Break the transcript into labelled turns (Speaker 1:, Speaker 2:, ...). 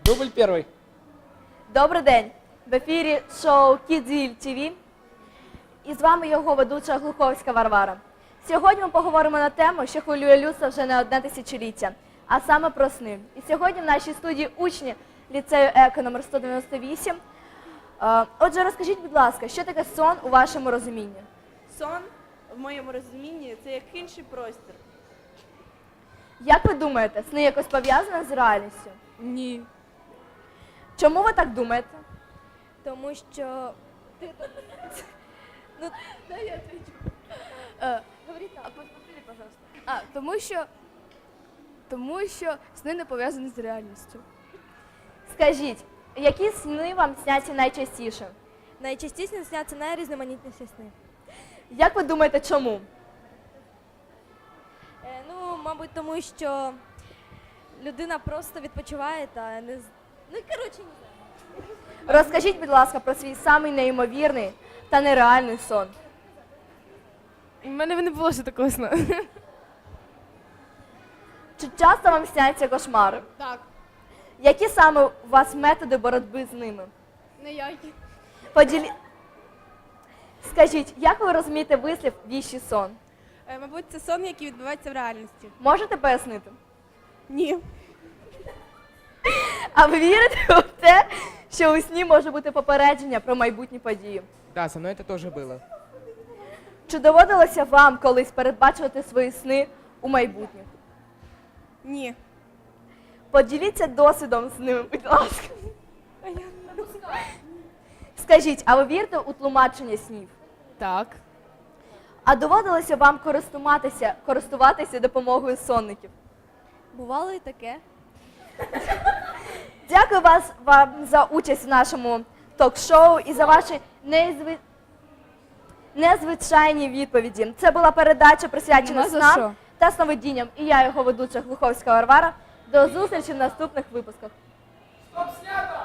Speaker 1: Дубль первый.
Speaker 2: Добрий день! В ефірі шоу Кідзіль ТВ. І з вами його ведуча Глуховська Варвара. Сьогодні ми поговоримо на тему, що хвилює людство вже не одне тисячоліття, а саме про сни. І сьогодні в нашій студії учні ліцею ЕКО номер 198. Отже, розкажіть, будь ласка, що таке сон у вашому розумінні?
Speaker 3: Сон, в моєму розумінні, це як інший простір.
Speaker 2: Як ви думаєте, сни якось пов'язані з реальністю?
Speaker 4: Ні.
Speaker 2: Чому ви так думаєте?
Speaker 4: Тому що... Ну, дай я отвечу. Говори так. Повтори, пожалуйста. Тому що сни не пов'язані з реальністю.
Speaker 2: Скажіть, які сни вам сняться найчастіше?
Speaker 4: Найчастіше сняться найрізноманітніші сни.
Speaker 2: Як ви думаєте, чому?
Speaker 4: Мабуть, тому що людина просто відпочиває та не... Ну, коротше, не знаю.
Speaker 2: Розкажіть, будь ласка, про свій самий неймовірний та нереальний сон.
Speaker 5: У мене не було ще такого сну.
Speaker 2: Чи часто вам сняться кошмари?
Speaker 5: Так.
Speaker 2: Які саме у вас методи боротьби з ними?
Speaker 5: Ніякі.
Speaker 2: Скажіть, як ви розумієте вислів «віщий сон»?
Speaker 3: Мабуть, це сон, який відбувається в реальності.
Speaker 2: Можете пояснити?
Speaker 3: Ні.
Speaker 2: А ви вірите в те, що у сні може бути попередження про майбутні події?
Speaker 1: Да, со мной это тоже было.
Speaker 2: Чи доводилося вам колись передбачувати свої сни у майбутніх?
Speaker 3: Ні.
Speaker 2: Поділіться досвідом з ними, будь ласка. Скажіть, а ви вірите у тлумачення снів?
Speaker 5: Так.
Speaker 2: А доводилося вам користуватися допомогою сонників?
Speaker 4: Бувало і таке.
Speaker 2: Дякую вам за участь в нашому ток-шоу і за ваші незвичайні відповіді. Це була передача, присвячена
Speaker 5: Нема за
Speaker 2: снам
Speaker 5: що.
Speaker 2: та сновидінням. І я, його ведуча Глуховська Варвара. До зустрічі в наступних випусках.
Speaker 1: Стоп, снято!